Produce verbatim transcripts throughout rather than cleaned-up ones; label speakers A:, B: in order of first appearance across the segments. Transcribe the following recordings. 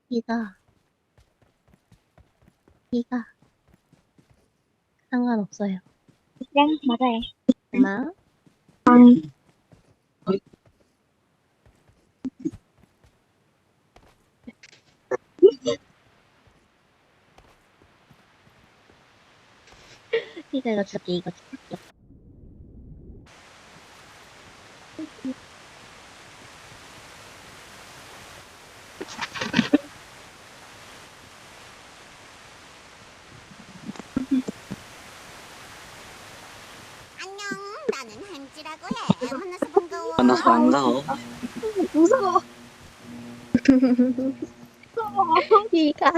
A: 이가, 이가 상관없어요.
B: 네, 맞아요.
A: 엄마,
B: 음.
A: 이가 이거 줄게, 이거 줄게.
C: 안녕, 나는 한지라고 해. 만나서 반가워.
D: 만나서 반가워.
B: 무서워.
A: 이가.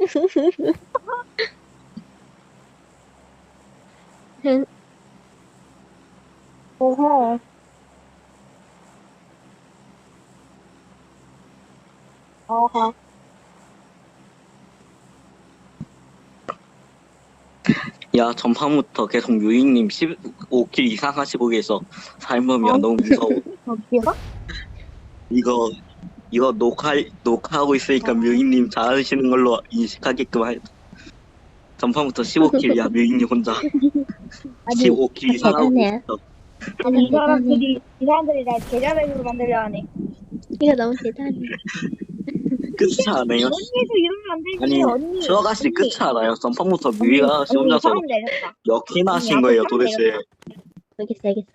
B: 오호. 어허.
D: 야, 전판부터 계속 유잉님 십오 킬 이상 하시고 계셔. 삶음이야, 너무 무서워.
B: 어디요?
D: 이거, 이거 녹화, 녹화하고 있으니까 뮤잉님 잘하시는 걸로 인식하게끔 할. 전판부터 십오 킬이야, 뮤잉님 혼자.
B: 아니,
D: 십오 킬 이상 하고
A: 대단해.
D: 있어.
B: 아니 이 사람들이 이 사람들이 날 계좌백으로 만들려 하네.
A: 이가 너무 대단해.
D: 끝이 않아요?
B: 언니도 이러면 안 되지.
D: 아니,
B: 언니.
D: 수아가씨
B: 언니.
D: 끝이 않아요? 전판부터 뮤잉아가씨
B: 언니
D: 혼자서
B: 사람 내렸다.
D: 몇 킬이나 하신
B: 언니
D: 거예요,
B: 앞에 사람
D: 도대체?
B: 내렸다.
A: 알겠어, 알겠어.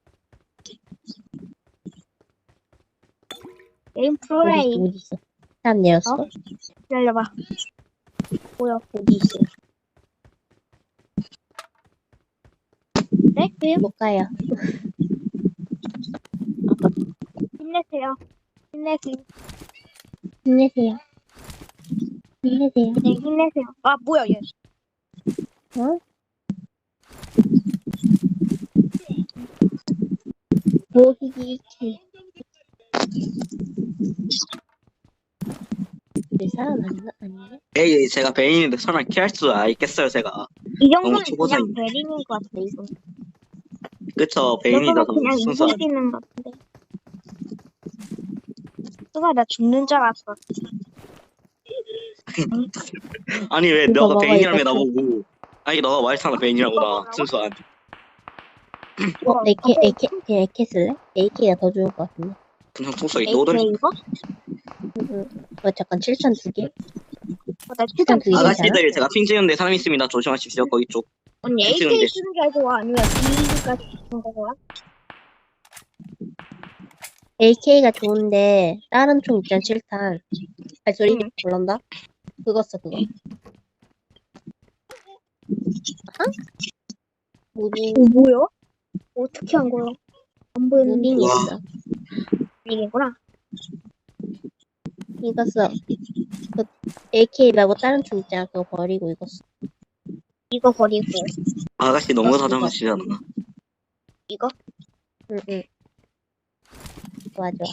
B: 게임
A: 어디,
B: 프로레이.
A: 어디 있어? 사람 내렸어?
B: 어? 기다려봐. 뭐야?
A: 어디 있어?
B: 네? 왜요?
A: 못 가요.
B: 힘내세요. 힘내세요.
A: 힘내세요. 힘내세요.
B: 네, 힘내세요. 아, 뭐야, 얘.
A: 어? 모히기 킬. 내 사람 아닌가? 아니네?
D: 에이, 제가 베인인데 설마 킬할 줄 알겠어요, 제가.
B: 이 정도는
D: 너무 초보자인데.
B: 그냥 베린인 것 같아, 이거.
D: 그쵸,
B: 이 정도면
D: 베인이라서
B: 그냥
D: 순수.
B: 이길 수 있는 것 같은데. 수가 나 죽는 줄 알았어.
D: 아니 왜
A: 이거
D: 너가
A: 먹어,
D: 베인이라며
A: 이거
D: 나보고. 아니 너가 말했잖아 베인이라고 나 순수한.
A: 어, 에케, 에케, 그냥 에케 쓸래? 에이케이가 더 좋을 것 같은데.
D: 그냥 총소리
B: 에이케이
D: 노돌이.
B: 이거?
A: 응, 응. 어, 잠깐, 칠천 두 개?
B: 어, 나 최단
A: 두 개.
D: 아가씨들 제가 핑 찍는데 사람 있습니다. 조심하십시오. 거기 쪽.
B: 언니
D: 핑
B: 에이케이
D: 찍는데.
B: 쓰는 게 좋아? 아니면 비가 쓰는 거 좋아?
A: 에이케이가 좋은데, 다른 총 있잖아, 칠탄. 발소리
B: 응.
A: 불런다? 그거 써, 그거. 아? 무빙,
B: 어, 뭐야? 어떻게 한 거야? 안 보이는데.
A: 무빙이
D: 와.
A: 있어.
B: 이게구나.
A: 이거 써. 그, 에이케이 말고 다른 총 있잖아, 그거 버리고 이거 써.
B: 이거 버리고
D: 아가씨 너무
A: 어,
D: 다정하시잖아.
B: 이거?
A: 응, 응. 좋아, 좋아.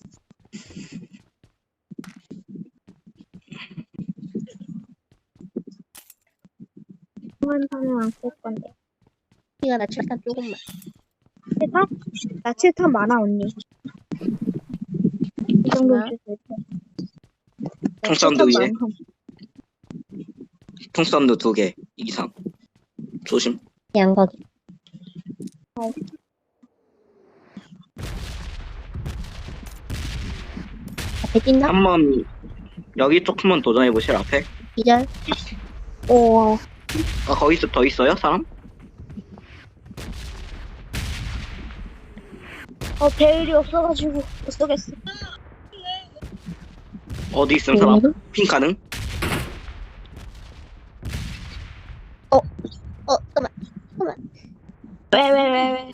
B: 한 판은 안 쓸 건데.
A: 이가 나 칠탄 조금만.
B: 칠탄? 나 칠탄 많아 언니. 이 정도
A: 얼마?
B: 줄수 있어.
D: 총 사운드 위에.
B: 많아.
D: 총 사운드 두 개 이상. 조심.
A: 양거기.
B: 어.
A: 앞에 뛴다?
D: 한번 여기 쪽 한번 도전해 보실 앞에.
A: 기절?
B: 오.
D: 아 거기 있- 더 있어요 사람?
B: 어 배율이 없어가지고 못 쏘겠어.
D: 어디 있음 사람?
A: 음.
D: 핑 가능?
A: 어, 잠깐만.
B: 왜 왜 왜 왜?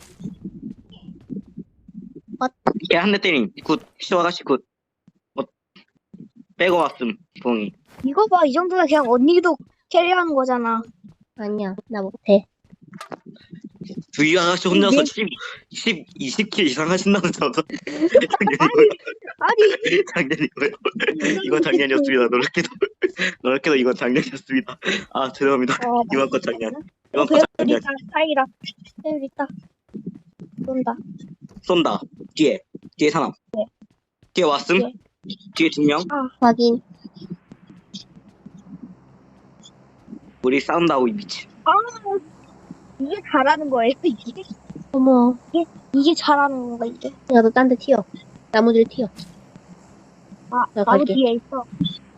D: 걔 한 대 때림. 굿. 시오 아가씨 굿. 어, 빼고 왔음. 봉이.
B: 이거 봐 이 정도면 그냥 언니도 캐리하는 거잖아.
A: 아니야, 나 못해.
D: 주희 아가씨 혼자서
B: 네.
D: 십, 십, 이십 킬 이상 하신다는 저도
B: 아니
D: 작년이고요. 이건 작년이었습니다. 놀랍게도 놀랍게도 이건 작년이었습니다. 아 죄송합니다.
B: 어,
D: 이번 건 작년.
B: 어,
D: 이번 건
B: 배율
D: 작년.
B: 있다. 다행이다. 배율 있다. 쏜다.
D: 쏜다. 뒤에 뒤에 사람. 뒤에 왔음.
B: 네.
D: 뒤에 두 명.
B: 아
A: 확인.
D: 우리 싸운다고 이 미친.
B: 아, 이게 잘하는 거예요, 이게?
A: 어머,
B: 이게 잘하는 건가, 이게?
A: 야, 너 딴 데 튀어. 나무들 튀어.
B: 아,
A: 나
B: 나무
A: 갈게.
B: 뒤에 있어.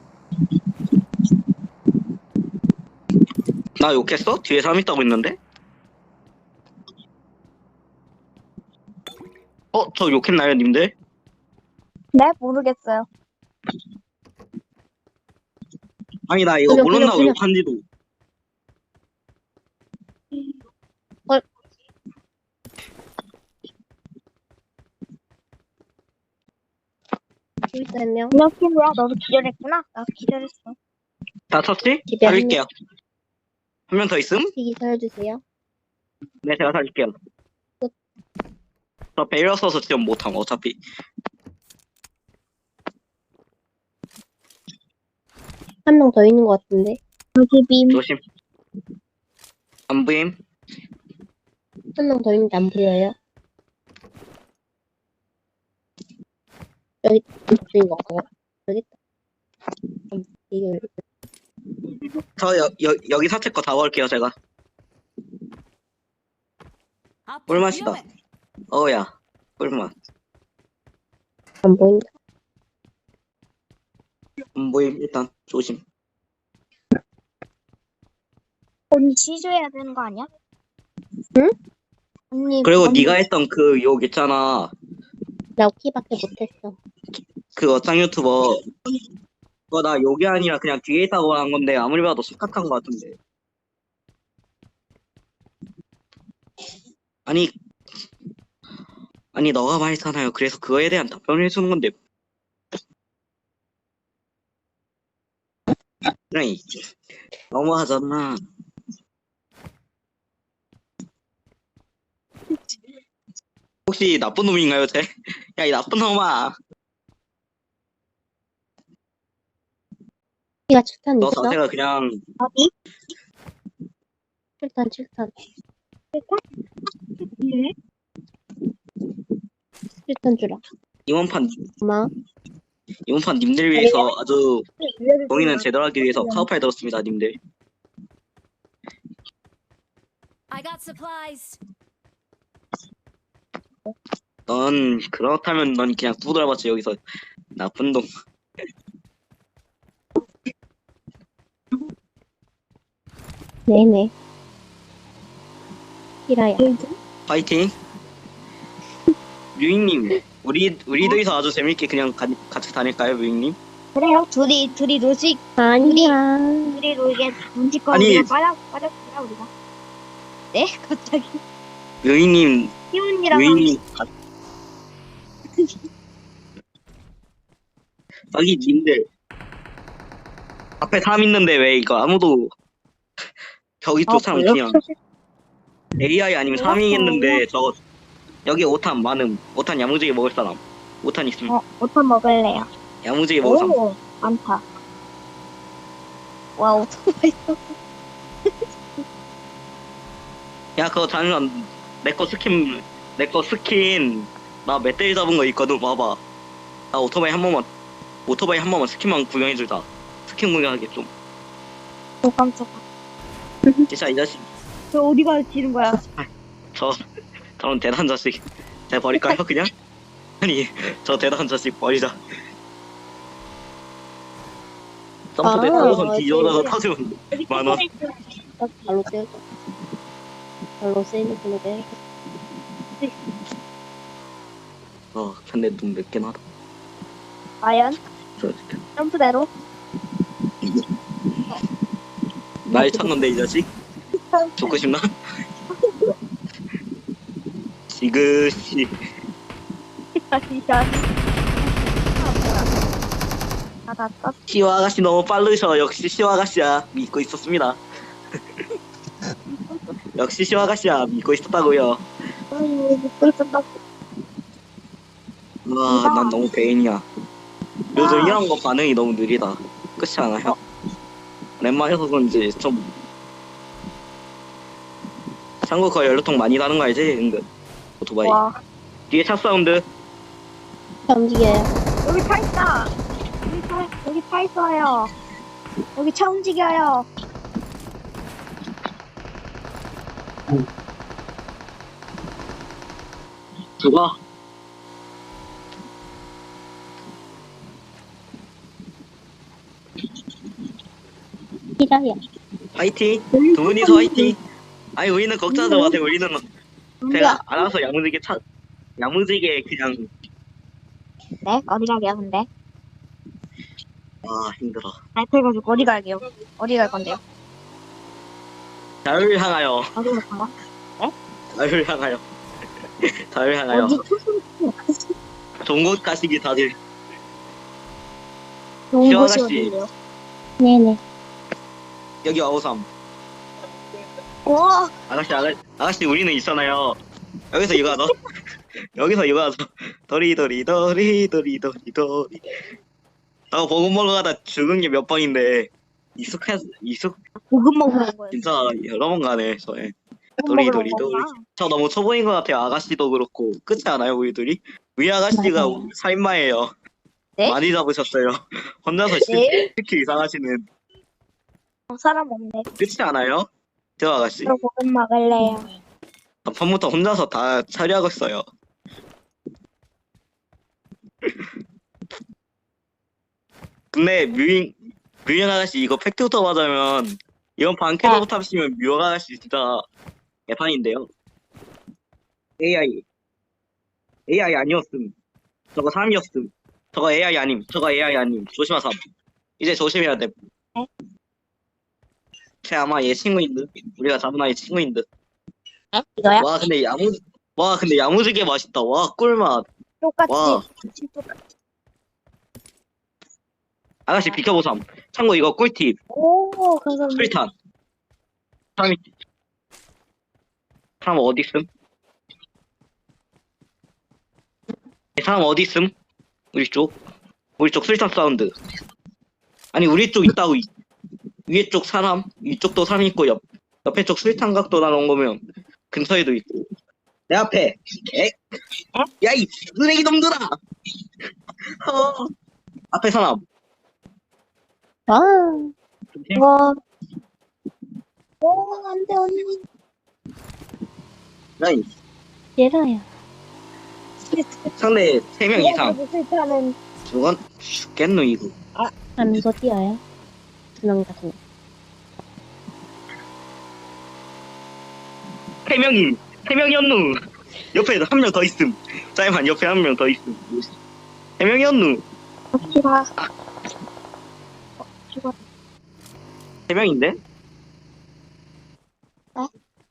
D: 나 욕했어? 뒤에 사람 있다고 했는데? 어? 저 욕했나요 님들?
B: 네, 모르겠어요.
D: 아니 나 이거
A: 그냥,
D: 모른다고
A: 그냥,
D: 욕한지도.
A: 여기 있어, 한 명.
B: 안녕, 친구야. 너도 기절했구나? 나도 기절했어.
D: 다 쳤지?
A: 집에 한
D: 살릴게요. 한 명 더 있음?
A: 튀기 살려주세요.
D: 네 제가 살릴게요.
A: 끝.
D: 저 배려 써서 지금 못함 어차피.
A: 한 명 더 있는 것 같은데.
B: 여기 빔.
D: 조심. 안 보임?
A: 한 명 더 있는데 안 보여요. 여기 있는 거 같고. 여기 있다. 음, 이걸
D: 저 여, 여, 여기 사채 거 다 먹을게요 제가. 꿀맛이다. 어우야 꿀맛.
A: 안 보인다.
D: 안 보임 일단 조심.
B: 언니 취조해야 되는 거 아니야?
A: 응?
B: 언니.
D: 그리고
B: 언니,
D: 네가 했던 그 욕 있잖아.
A: 나 키밖에 못했어.
D: 그 어짱 유튜버. 그거 나 욕이 아니라 그냥 뒤에 있다고 한 건데 아무리 봐도 심각한 것 같은데. 아니 아니 너가 말했잖아요. 그래서 그거에 대한 답변을 해주는 건데. 그래 너무하잖아. 혹시 나쁜 놈인가요, 쟤? 야, 이 나쁜 놈아.
A: 키가 칠탄
D: 너
A: 있어?
D: 자체가 그냥
B: 어디?
A: 칠탄, 칠탄.
B: 네.
A: 칠탄 주라.
D: 이번 판
A: 고마워.
D: 이번 판 님들 위해서 아주
B: 네.
D: 동의는 제대로 하기 위해서 카우파이 들었습니다, 님들.
E: I got supplies.
D: 넌 그렇다면 넌 그냥 두드려봤지 여기서 나쁜 놈.
A: 네네. 키라야.
D: 파이팅. 뮤잉님, 우리 우리 둘이서 아주 재밌게 그냥 가, 같이 다닐까요, 뮤잉님?
B: 그래요. 둘이, 둘이 노식,
A: 아니야.
B: 둘이 놀게 눈치껏
D: 아니.
B: 우리가 빠져, 빠졌구나, 우리가. 네? 갑자기.
D: 뮤잉님,
B: 희훈이랑
D: 뮤잉님. 여기 님들 앞에 사람 있는데 왜 이거 아무도 저기 또 사람 그냥 에이아이 아니면 사람이겠는데 저거 여기 오탄 많음. 오탄 야무지게 먹을 사람. 오탄 있으면
B: 어, 오탄 먹을래요.
D: 야무지게 먹을 사람.
B: 오, 많다. 와, 오토바이 있어.
D: 야 그거 잠시만 내 거 스킨 내 거 스킨 나 멧돼지 잡은 거 있거든. 봐봐. 나 오토바이 한 번만 오토바이 한 번만 스킨만 구경해주자. 스킨 구경하게 좀.
B: 오, 깜짝아.
D: 진짜 이 자식
B: 저 어디 가지는 거야?
D: 저 저런 대단한 자식 제가 버릴까요 그냥? 아니 저 대단한 자식 버리자. 점프대
A: 아,
D: 타고선 뒤져다가
A: 네.
D: 터지면 만원.
A: 딱 발로 때려줘. 발로 세이브 걸로 때려줘.
D: 어 근데 눈 몇 개나 다
B: 과연?
D: 저
B: 점프대로?
D: 날 쳤는데 이 자식 죽고 싶나? 지그시
B: 다시, 다시. 아, 나 떴.
D: 시와 아가씨 너무 빠르셔. 역시 시와 아가씨야 믿고 있었습니다. 역시 시와 아가씨야 믿고 있었다고요.
B: 음, 믿고 있었다.
D: 와 난 너무 배인이야. 요즘 이런 거 반응이 너무 느리다. 그렇지 않아요? 랜만해서 그런지 좀 참고 거 연료통 많이 다는 거 알지? 은근 오토바이
B: 와.
D: 뒤에 차 사운드.
A: 차 움직여요.
B: 여기 차 있다. 여기 차, 여기 차 있어요. 여기 차 움직여요.
D: 죽어.
A: 히라야.
D: 화이팅. 두 분이서 화이팅. 아니 우리는 걱정하지 마세요. 우리는 제가 알아서 야무지게 차 야무지게 그냥.
B: 네? 어디 가게요, 근데?
D: 아 힘들어.
B: 나이트 해가지고 어디 갈게요? 어디 갈 건데요?
D: 자유를 향하여.
B: 어디 갈 건가?
D: 자유를 향하여. 자유를 향하여.
B: 어디?
D: 좋은 곳 가시기 다들.
B: 좋은
D: 시원
B: 곳이
D: 아가씨.
B: 어디예요?
A: 네네.
D: 여기 와우삼.
B: 와!
D: 아가씨 아가, 아가씨 우리는 있잖아요. 여기서 이거 하자. 여기서 이거 하자. 도리도리 도리 도리 도리 도리. 나 보급 먹으러 가다 죽은 게 몇 번인데 익숙해 익숙
B: 고급 먹으러 온 거예요.
D: 진짜 여러 번 가네 저에.
B: 고급
D: 도리
B: 먹으러
D: 도리
B: 온
D: 도리.
B: 거구나.
D: 저 너무 초보인 것 같아요. 아가씨도 그렇고 그렇지 않아요 우리 둘이? 우리 아가씨가
A: 맞아요.
D: 살인마예요.
B: 네?
D: 많이 잡으셨어요. 혼자서
B: 네?
D: 특히 이상하시는.
B: 어, 사람 없네.
D: 그렇지 않아요? 저 아가씨.
B: 저 고급 먹을래요.
D: 밤부터 혼자서 다 처리하고 있어요. 근데 뮤잉 뮤잉 아가씨 이거 팩트부터 맞으면 이번 반 캐릭터 탑시면 뮤잉 아가씨 진짜 개판인데요. 에이아이 에이아이 아니었음. 저거 삼이었음. 저거 에이아이 아님. 저거 에이아이 아님. 조심하삼. 이제 조심해야 돼.
B: 네?
D: 쟤 아마 얘 친구인 듯. 우리가 잡은 아이 친구인 듯.
B: 에? 이거야?
D: 와 근데 야무 와 근데 야무지게 맛있다. 와 꿀맛.
B: 똑같이.
D: 와.
B: 똑같이.
D: 아가씨 비켜보삼. 참고 이거 꿀팁.
B: 오, 감사합니다.
D: 수리탄. 사람이 사람 어디 있음? 이 사람 어디 있음? 우리 쪽. 우리 쪽 수리탄 사운드. 아니 우리 쪽 있다고. 이- 위에 쪽 사람, 위쪽도 사람 있고 옆 옆에 쪽 수리탄 각도 나온 거면 근처에도 있고. 내 앞에. 에? 야이 쓰레기 놈들아. 어. 앞에 사람.
A: 아,
B: 와. 오, 안 돼, 언니.
D: 야이
A: 히라야.
D: 상대 세 명 이상.
B: 실패하는
D: 저건 죽겠노 이거.
A: 하면서 뛰어요. 두명 같은 거.
D: 세 명이 세 명이었누. 옆에 한 명 더 있음. 짜이만 옆에 한 명 더 있음. 세 명이었누.
B: 기라.
D: 세 명인데?
B: 어?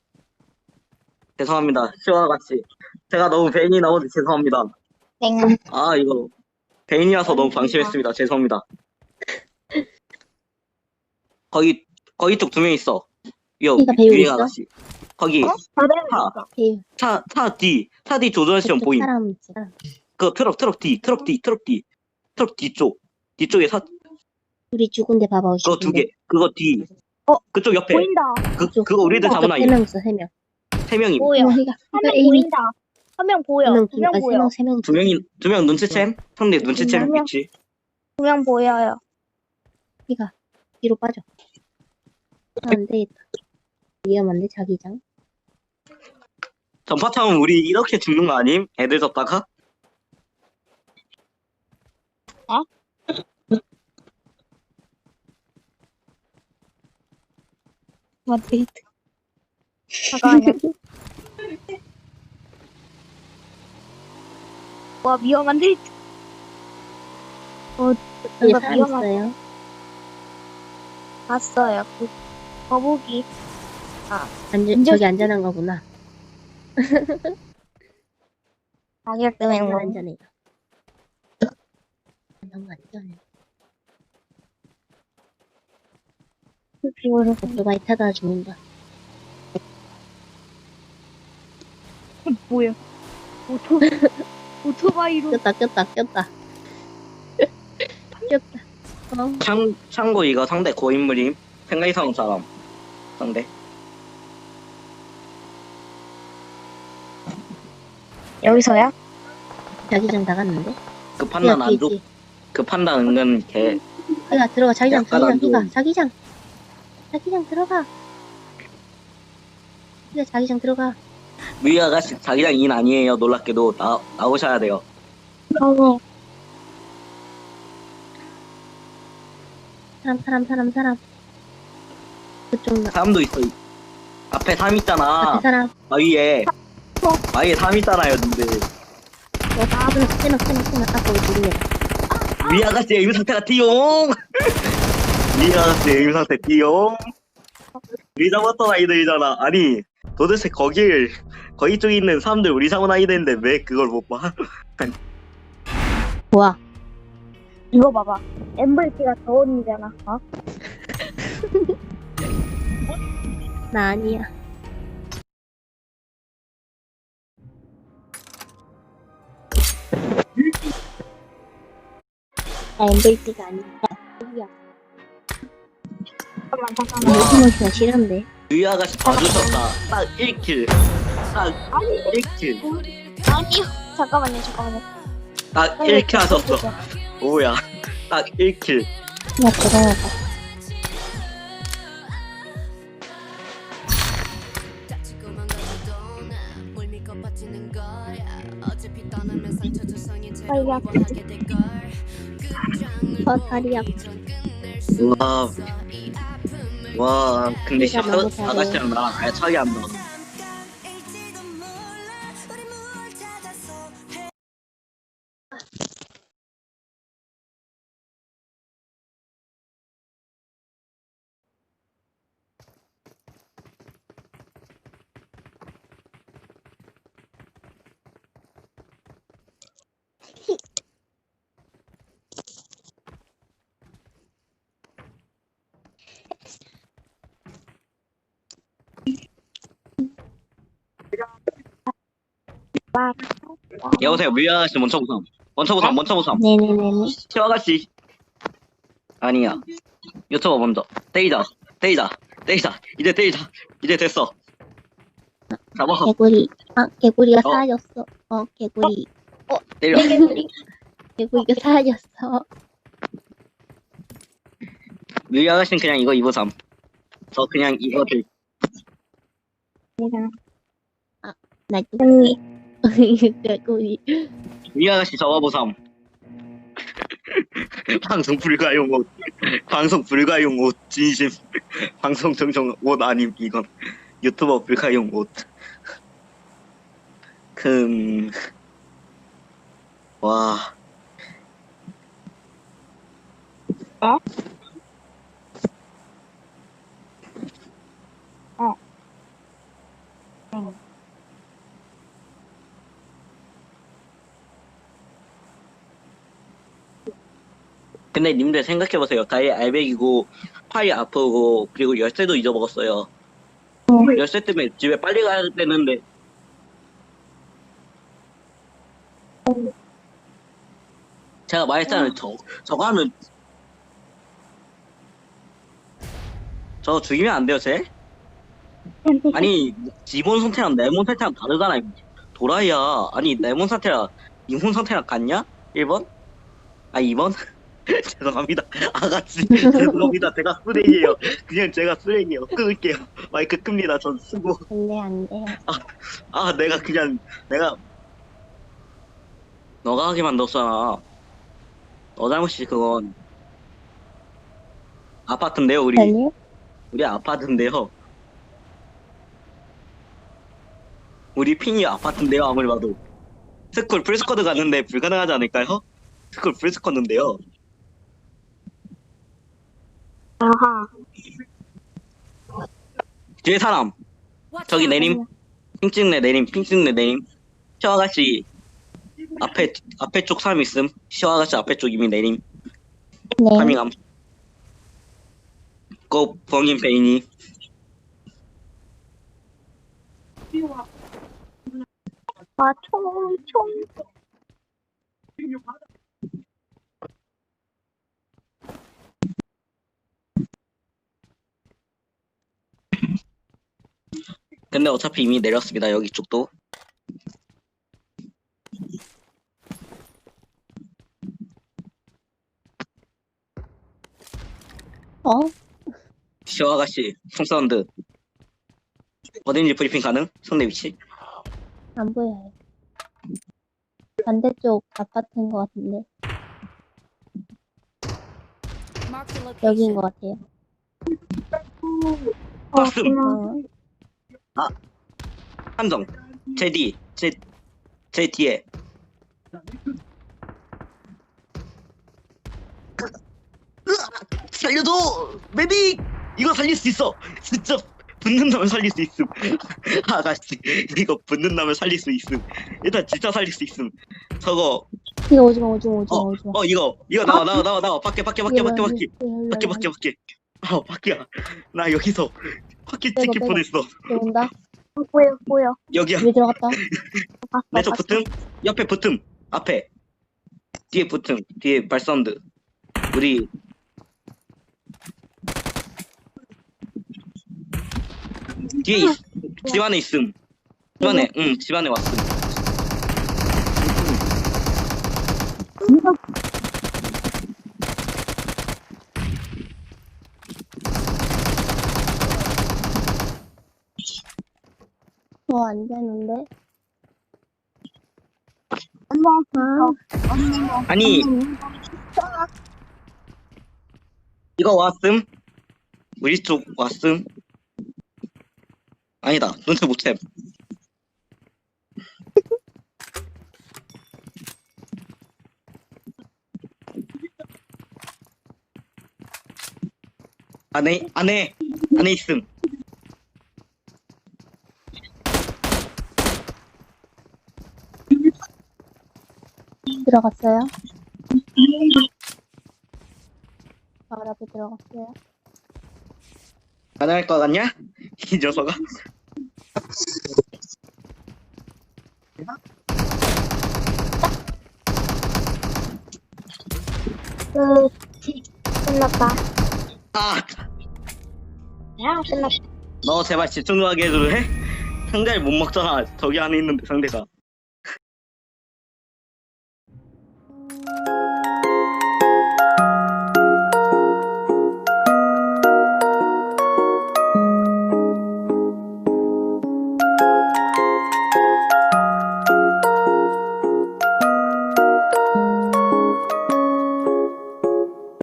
D: 죄송합니다. 시원아 같이. 제가 너무 베인이 나오지 죄송합니다.
B: 땡.
D: 아 이거 베인이라서 너무 방심했습니다. 죄송합니다. 거기 거기 쪽 두 명 있어. 요
A: 걔가 배우고
D: 유행
A: 있어?
D: 아가씨. 거기
B: 어? 다들
D: 차.
A: 배우.
D: 차 차 뒤. 차 뒤 조전 시험
A: 그쪽
D: 보임.
A: 사람 있지. 사람.
D: 그 트럭 트럭 뒤 트럭 뒤 트럭 뒤 트럭 뒤쪽 뒤쪽에 사
A: 우리 죽은데 봐봐.
D: 그거 두 개. 그거 뒤.
B: 어?
D: 그쪽 옆에.
B: 보인다.
D: 그 그거 우리들 잡은 아이.
A: 세명 있어, 세 명.
D: 세 명이.
B: 보여.
A: 어,
B: 한
A: 그러니까
B: 명
A: 에이미
B: 보인다. 한 명 보여.
A: 명,
B: 두 명
A: 아, 세
B: 보여.
A: 명, 세 명.
D: 두 명이 두 명 눈치챔? 상대 눈치챔
B: 두 명.
D: 있지.
B: 두 명 보여요.
A: 피가 뒤로 빠져. 아, 안 되겠다. 위험한데 자기장.
D: 전파 타면 우리 이렇게 죽는 거 아님? 애들 잡다가?
B: 어? 맞지? 잠깐만요. 와, 위험한데? 어,
A: 여기
B: 이거
A: 사람
B: 위험하다.
A: 있어요.
B: 봤어요. 그 거북이.
A: 안전, 저기 안전한 거구나.
B: 가격 때문에
A: 너무
B: 뭐.
A: 안전해요. 너무 안전해. 오토바이 타다 죽는다.
B: 뭐야? 오토, 오토바이로.
A: 꼈다, 꼈다, 꼈다. 꼈다. 어,
D: 참, 참고 이거 상대 고인물임. 생각 이상 사람. 상대.
B: 여기서야?
A: 자기장 나갔는데?
D: 그 판단 안 줘.
A: 있지.
D: 그 판단 은근 개.
A: 피가 들어가, 자기장,
D: 약간
A: 자기장,
D: 안
A: 피가,
D: 좋은.
A: 자기장. 자기장 들어가. 그래, 자기장 들어가.
D: 위 아가씨 자기장 인 아니에요. 놀랍게도 나 나오셔야 돼요.
B: 어,
A: 사람, 사람, 사람, 사람. 그쪽 나.
D: 사람도 있어. 앞에 삼 있잖아.
A: 앞에 사람.
D: 바위에 바위에 삼 있잖아요. 근데
A: 어, 다 끊어, 끊어, 끊어, 끊어. 딱 거기 누르면.
D: 위 아가씨의 에임 상태가 띠용. 위 아가씨의 에임 상태 띠용. 우리 잡았던 아이들이잖아. 아니 도대체 거길 거기 쪽에 있는 사람들 우리 잡은 아이들인데 왜 그걸 못 봐?
A: 뭐야?
B: 이거 봐봐. 엠브이피가 저 언니잖아. 어?
A: 나 아니야. 나 엠브이피가 아니야. 누구야?
B: 잠깐만, 잠깐만.
A: 요즘은 싫은데.
D: 위 아가씨 봐주셨다. 딱 일 킬. 딱 일 킬.
B: 아니요. 잠깐만요, 잠깐만요.
D: 딱 일 킬 하셨어. 뭐야? 딱 일 킬.
A: 야, 대단하다.
B: 빨리
A: 어, 다리 아파.
D: 와. 와, 근데
A: 네가
D: 시
A: 너무 잘해.
D: 아가씨랑 나랑 아예 차이 안 나. 여보세요, 위 아가씨 먼저 보삼. 먼저 보삼, 먼저 보삼.
A: 네네네네.
D: 시 아가씨. 아니야. 유튜버 먼저. 때리자, 때리자, 때리자. 이제 때리자. 이제 됐어. 잡아.
A: 개구리. 아, 개구리가
D: 어.
A: 사라졌어. 어, 개구리.
D: 때려.
A: 개구리가 사라졌어.
D: 위 아가씨는 그냥 이거 입어삼. 저 그냥 이거 들.
A: 나 개구리. 개구리.
D: 위 아가씨 잡아보삼. 방송 불가용 옷. 방송 불가용 옷. 진심. 방송 정정 옷 아님 이건. 유튜버 불가용 옷. 금. 와.
B: 어? 어. 응.
D: 근데 님들 생각해보세요. 다이 알백이고 팔이 아프고 그리고 열쇠도 잊어먹었어요. 열쇠 때문에 집에 빨리 가야 되는데 제가 말했잖아요. 저 저거 하면 저 죽이면 안 돼요, 쟤? 아니 기본 상태랑 내몬 상태랑 다르잖아요. 도라이야. 아니 내몬 상태랑 이몬 상태랑 같냐? 일 번? 아 이 번? 죄송합니다. 아가씨 죄송합니다. 제가 쓰레기예요. 그냥 제가 쓰레기예요. 끊을게요. 마이크 끕니다. 전 쓰고.
A: 안 돼, 안 돼.
D: 아 내가 그냥 내가 너가 하게 만들었잖아. 너 잘못이지 그건. 아파트인데요 우리.
A: 아니?
D: 우리 아파트인데요. 우리 핑이 아파트인데요 아무리 봐도. 스쿨 풀스쿼드 갔는데 불가능하지 않을까요? 스쿨 풀스쿼드인데요.
B: 아하.
D: 뒤에 사람.
E: Watch
D: 저기
E: out.
D: 내림. 핑 찍네 내림. 핑 찍네 내림. 시어 아가씨 앞에 앞에 쪽 사람 있음. 시어 아가씨 앞에 쪽 이미 내림.
A: 네.
D: 파밍함. 고 벙인 베인이.
B: 아, 총, 총.
D: 근데 어차피 이미 내렸습니다. 여기 쪽도.
A: 어?
D: 시어 아가씨 총사운드. 어딘지 브리핑 가능? 상대 위치?
A: 안 보여요. 반대쪽 아파트인 것 같은데.
E: Mark the
A: 여기인
E: location.
A: 것 같아요.
D: 봤음.
A: 어,
D: 함정. 제 뒤. 제, 제 뒤에. 으악! 살려줘! 메딕! 이거 살릴 수 있어! 진짜 붙는다면 살릴 수 있음. 아가씨, 이거 붙는다면 살릴 수 있음. 일단 진짜 살릴 수 있음. 저거,
A: 이거 오지마, 오지마, 오지마,
D: 어,
A: 오지마.
D: 어, 이거, 이거 나와, 나와, 나와, 나와. 밖에, 밖에, 밖에, 밖에, 밖에.
A: 밖에,
D: 밖에, 밖에, 밖에. 아, 밖이야. 나 여기서 밖에
A: 빼고,
D: 찍힐
A: 빼고.
D: 뻔했어.
A: 온다.
B: 보여 보여.
D: 여기야.
A: 집에 들어갔다.
D: 내 쪽 붙음. 옆에 붙음. 앞에. 뒤에 붙음. 뒤에 발사운드. 우리 뒤에 있, 집 안에 있음. 집 안에, 응, 집 안에 왔음.
A: 어, 안 되는데.
B: 엄마
A: 아,
B: 엄마
D: 아니, 이거 왔음. 우리 쪽 왔음. 아니다, 눈치 못 챔. 안에, 안에, 안에 있음.
A: 들어갔어요. 바로 앞에 들어갔어요.
D: 가능할 것 같냐? 이 녀석아.
B: 끝. 끝났다.
D: 아,
B: 야 끝났다.
D: 너 제발 집중 좀 하게 해줄래? 상대를 못 먹잖아. 저기 안에 있는데 상대가.